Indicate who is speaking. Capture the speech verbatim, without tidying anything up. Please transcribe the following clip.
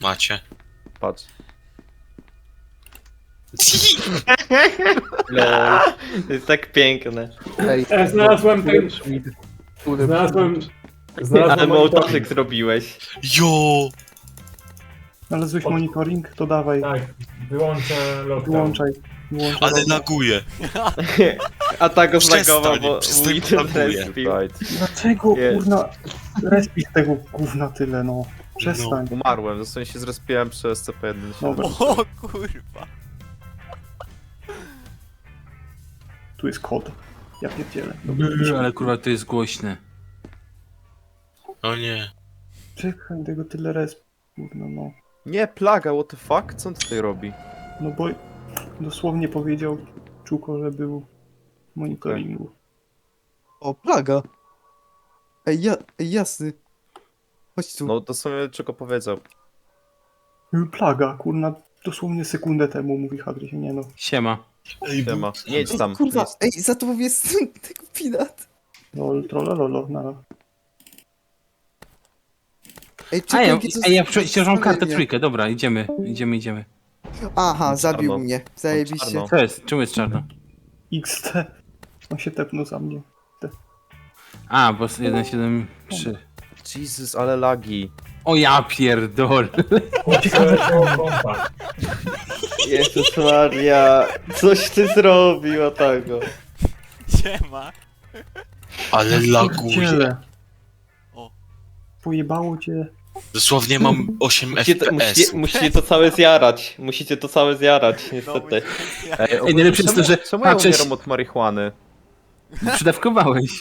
Speaker 1: Macie.
Speaker 2: Patrz.
Speaker 3: Lol. To jest tak piękne.
Speaker 4: Ej,
Speaker 5: E, znalazłem ten...
Speaker 4: Który
Speaker 5: Znalazłem...
Speaker 3: Ale
Speaker 5: Znalazłem
Speaker 3: mołtoczyk
Speaker 5: monitoring.
Speaker 3: zrobiłeś.
Speaker 1: Jo!
Speaker 6: Znalazłeś
Speaker 5: Od-
Speaker 6: monitoring? To dawaj,
Speaker 5: Tak, wyłączę lockdown.
Speaker 6: wyłączaj. wyłączaj
Speaker 1: Ale
Speaker 6: logo.
Speaker 1: laguje.
Speaker 3: A tak go
Speaker 1: Przestań,
Speaker 3: zlagował, bo
Speaker 1: przestań,
Speaker 3: Wither
Speaker 1: laguje.
Speaker 3: respił.
Speaker 2: Right.
Speaker 6: Dlaczego
Speaker 3: Jest.
Speaker 6: kurna respisz tego gówna tyle, no? Przestań.
Speaker 2: Umarłem, dosłownie się zrespiłem przez C P jeden.
Speaker 6: Dobra,
Speaker 7: O kurwa.
Speaker 6: tu jest kod. Ja pierdzielę.
Speaker 8: Brrr, ale kurwa to jest głośne.
Speaker 1: O nie.
Speaker 6: Czekaj, tego tyle resp. Kurna, no.
Speaker 2: Nie, plaga, what the fuck? Co on tutaj robi?
Speaker 6: No bo dosłownie powiedział Czuko, że był w monitoringu.
Speaker 7: O, plaga. Ej, ja, ej, jasny. Chodź tu.
Speaker 2: No dosłownie czego powiedział.
Speaker 6: Plaga, kurna, dosłownie sekundę temu mówi Hadry, nie no.
Speaker 8: Siema.
Speaker 1: Ej,
Speaker 2: Nie ma. Nie idź tam.
Speaker 7: Kurwa,
Speaker 2: Jest.
Speaker 7: ej, za tobą jest tego pinat.
Speaker 6: Lol, trollololo, nara.
Speaker 7: Ej,
Speaker 8: A
Speaker 7: czekaj,
Speaker 8: ja,
Speaker 7: jakie to
Speaker 8: a ja
Speaker 7: jest-
Speaker 8: przecież mam kartę
Speaker 7: stawienie.
Speaker 8: trójkę, dobra, idziemy, idziemy, idziemy.
Speaker 7: Aha, zabił
Speaker 2: Czarno.
Speaker 7: mnie. Zajebiście.
Speaker 2: Czarno.
Speaker 8: Co jest? Czemu jest czarno?
Speaker 6: X T. On się tepnął za mnie.
Speaker 8: A, bo jeden siedem trzy.
Speaker 2: Jesus, ale lagi.
Speaker 8: O ja pierdol.
Speaker 5: Ciekawe, co kompa.
Speaker 3: Jezus Maria. Coś ty zrobił o tego.
Speaker 7: Siema.
Speaker 1: Ale laguje.
Speaker 6: Pierdziele.
Speaker 7: O.
Speaker 6: Pojebało cię.
Speaker 1: Dosłownie mam osiem
Speaker 3: Musicie to,
Speaker 1: F P S.
Speaker 3: musicie, musicie to całe zjarać. Musicie to całe zjarać, niestety.
Speaker 2: Ej,
Speaker 8: najlepsze jest to, że
Speaker 2: czemu ja
Speaker 8: patrzeć-
Speaker 2: umieram od marihuany?
Speaker 8: Przydawkowałeś.